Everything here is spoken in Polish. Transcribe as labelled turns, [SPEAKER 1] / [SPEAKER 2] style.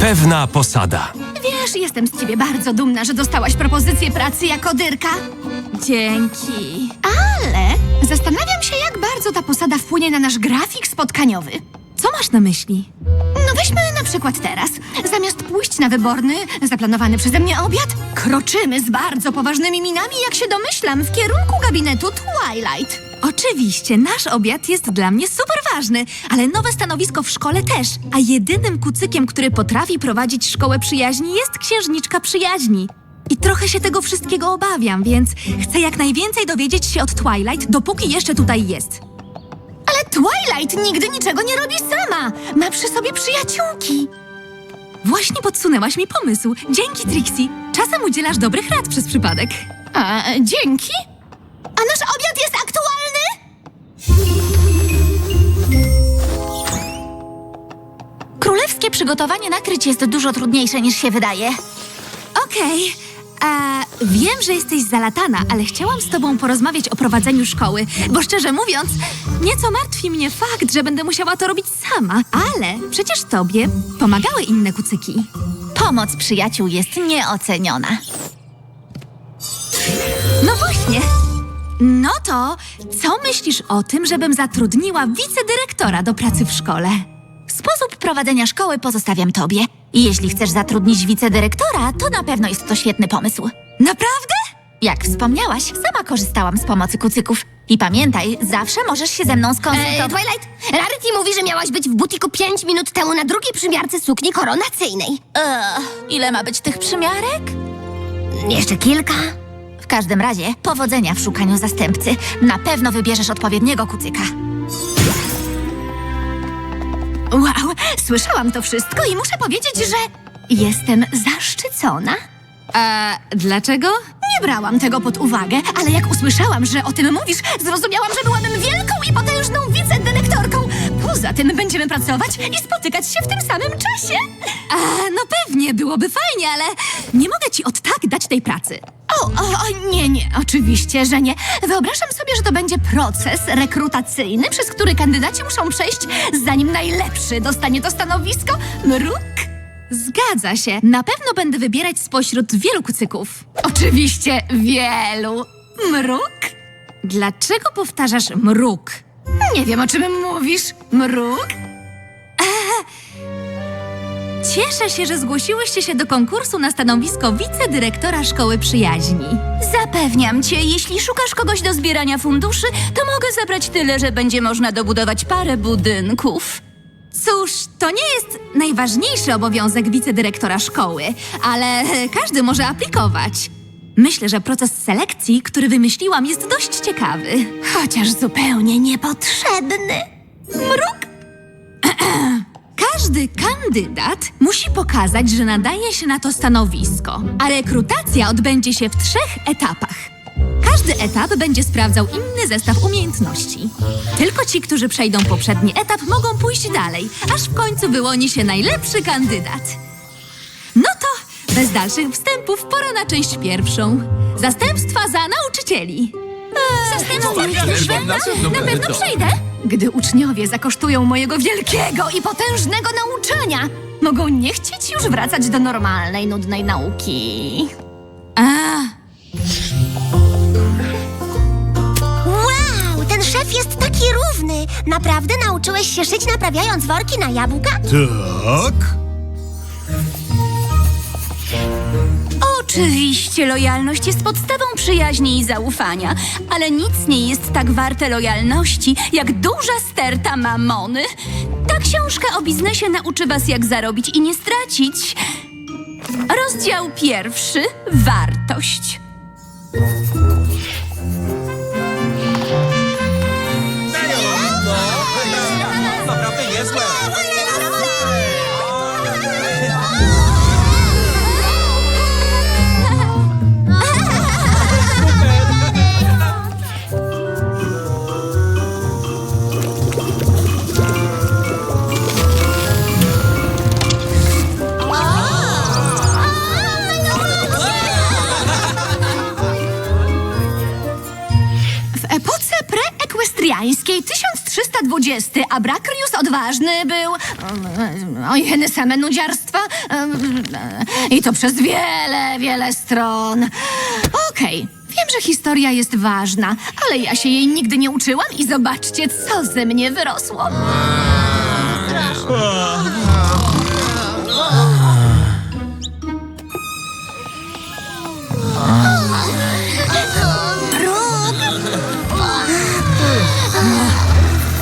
[SPEAKER 1] Pewna posada.
[SPEAKER 2] Wiesz, jestem z ciebie bardzo dumna, że dostałaś propozycję pracy jako dyrka.
[SPEAKER 3] Dzięki.
[SPEAKER 2] Ale zastanawiam się, jak bardzo ta posada wpłynie na nasz grafik spotkaniowy.
[SPEAKER 3] Co masz na myśli?
[SPEAKER 2] No weźmy na przykład teraz. Zamiast pójść na wyborny, zaplanowany przeze mnie obiad, kroczymy z bardzo poważnymi minami, jak się domyślam, w kierunku gabinetu Twilight.
[SPEAKER 3] Oczywiście, nasz obiad jest dla mnie super ważny, ale nowe stanowisko w szkole też. A jedynym kucykiem, który potrafi prowadzić szkołę przyjaźni, jest księżniczka przyjaźni. I trochę się tego wszystkiego obawiam, więc chcę jak najwięcej dowiedzieć się od Twilight, dopóki jeszcze tutaj jest.
[SPEAKER 2] Ale Twilight nigdy niczego nie robi sama. Ma przy sobie przyjaciółki.
[SPEAKER 3] Właśnie podsunęłaś mi pomysł. Dzięki, Trixie. Czasem udzielasz dobrych rad przez przypadek.
[SPEAKER 2] A, dzięki. A nasz obiad jest aktualny?
[SPEAKER 4] Królewskie przygotowanie nakryć jest dużo trudniejsze niż się wydaje.
[SPEAKER 3] Okej. Wiem, że jesteś zalatana, ale chciałam z tobą porozmawiać o prowadzeniu szkoły, bo szczerze mówiąc, nieco martwi mnie fakt, że będę musiała to robić sama. Ale przecież tobie pomagały inne kucyki.
[SPEAKER 4] Pomoc przyjaciół jest nieoceniona.
[SPEAKER 3] No właśnie. No to co myślisz o tym, żebym zatrudniła wicedyrektora do pracy w szkole?
[SPEAKER 4] Sposób prowadzenia szkoły pozostawiam tobie. I jeśli chcesz zatrudnić wicedyrektora, to na pewno jest to świetny pomysł.
[SPEAKER 3] Naprawdę?
[SPEAKER 4] Jak wspomniałaś, sama korzystałam z pomocy kucyków. I pamiętaj, zawsze możesz się ze mną skonsultować.
[SPEAKER 5] Twilight, Rarity mówi, że miałaś być w butiku 5 minut temu na drugiej przymiarce sukni koronacyjnej.
[SPEAKER 4] Ile ma być tych przymiarek?
[SPEAKER 5] Jeszcze kilka.
[SPEAKER 4] W każdym razie, powodzenia w szukaniu zastępcy. Na pewno wybierzesz odpowiedniego kucyka.
[SPEAKER 2] Wow, słyszałam to wszystko i muszę powiedzieć, że jestem zaszczycona.
[SPEAKER 3] Dlaczego?
[SPEAKER 2] Nie brałam tego pod uwagę, ale jak usłyszałam, że o tym mówisz, zrozumiałam, że byłabym wielką i potężną wicedyrektorką. Poza tym będziemy pracować i spotykać się w tym samym czasie.
[SPEAKER 3] No pewnie, byłoby fajnie, ale nie mogę ci od tak dać tej pracy.
[SPEAKER 2] Nie, oczywiście, że nie. Wyobrażam sobie, że to będzie proces rekrutacyjny, przez który kandydaci muszą przejść, zanim najlepszy dostanie to stanowisko. Mruk?
[SPEAKER 3] Zgadza się. Na pewno będę wybierać spośród wielu kucyków.
[SPEAKER 2] Oczywiście wielu. Mruk?
[SPEAKER 3] Dlaczego powtarzasz mruk?
[SPEAKER 2] Nie wiem, o czym mówisz. Mruk?
[SPEAKER 3] Cieszę się, że zgłosiłyście się do konkursu na stanowisko wicedyrektora Szkoły Przyjaźni.
[SPEAKER 4] Zapewniam cię, jeśli szukasz kogoś do zbierania funduszy, to mogę zabrać tyle, że będzie można dobudować parę budynków.
[SPEAKER 3] Cóż, to nie jest najważniejszy obowiązek wicedyrektora szkoły, ale każdy może aplikować. Myślę, że proces selekcji, który wymyśliłam, jest dość ciekawy.
[SPEAKER 2] Chociaż zupełnie niepotrzebny.
[SPEAKER 3] Mruk! Każdy kandydat musi pokazać, że nadaje się na to stanowisko, a rekrutacja odbędzie się w 3 etapach. Każdy etap będzie sprawdzał inny zestaw umiejętności. Tylko ci, którzy przejdą poprzedni etap, mogą pójść dalej, aż w końcu wyłoni się najlepszy kandydat. No to bez dalszych wstępów pora na część pierwszą. Zastępstwa za nauczycieli.
[SPEAKER 4] Zastępstwo na pewno przejdę.
[SPEAKER 2] Gdy uczniowie zakosztują mojego wielkiego i potężnego nauczania, mogą nie chcieć już wracać do normalnej, nudnej nauki.
[SPEAKER 5] Wow, ten szef jest taki równy. Naprawdę nauczyłeś się szyć, naprawiając worki na jabłka?
[SPEAKER 6] Tak?
[SPEAKER 4] Oczywiście lojalność jest podstawą przyjaźni i zaufania, ale nic nie jest tak warte lojalności, jak duża sterta mamony. Ta książka o biznesie nauczy was, jak zarobić i nie stracić. Rozdział 1. Wartość.
[SPEAKER 1] Naprawdę niezłe.
[SPEAKER 2] 20. Abrakrius odważny był. Ojeny, same nudziarstwa. I to przez wiele, wiele stron. Okej, wiem, że historia jest ważna, ale ja się jej nigdy nie uczyłam i zobaczcie, co ze mnie wyrosło.